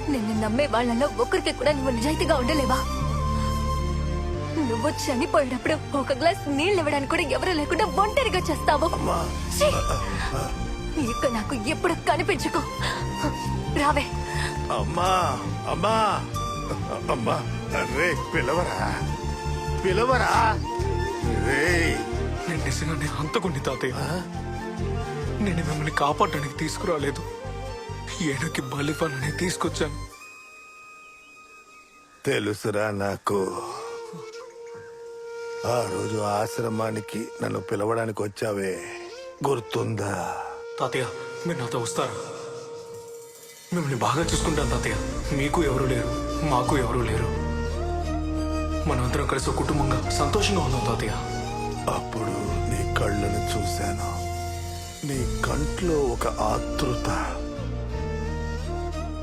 నిన్ను నమ్మే వాళ్ళలో ఒక్కరికి కూడా నువ్వు నిజాయితీగా ఉండలేవా? నువ్వు చనిపోయేటప్పుడు ఒక గ్లాస్ నీళ్ళు ఇవ్వడానికి కూడా ఎవరు లేకుండా ఒంటరిగా చేస్తావు. ఛీ! ఇక నాకు ఎప్పుడు కనిపించుకో. రావే. అమ్మా అమ్మా అమ్మా రే పిలవరా పిలవరా రే. నేను నిజంగానే హంతకుణ్ణి తాతయ్య. నేను మిమ్మల్ని కాపాడడానికి తీసుకురాలేదు, ఏనుకి బలిఫాలని తీసుకొచ్చాను. తెలుసురా నాకు. ఆ రోజు ఆశ్రమానికి నన్ను పిలవడానికి వచ్చావే, గుర్తుందా? తాతయ్య మీరు నాతో వస్తారా? మిమ్మల్ని బాగా చూసుకుంటాను తాతయ్య. మీకు ఎవరు లేరు, మాకు ఎవరు లేరు. మనమందరం కలిసి ఒక కుటుంబంగా సంతోషంగా ఉన్నాం తాతయ్య. అప్పుడు నీ కళ్ళను చూశాను. నీ కంట్లో ఒక ఆతృత,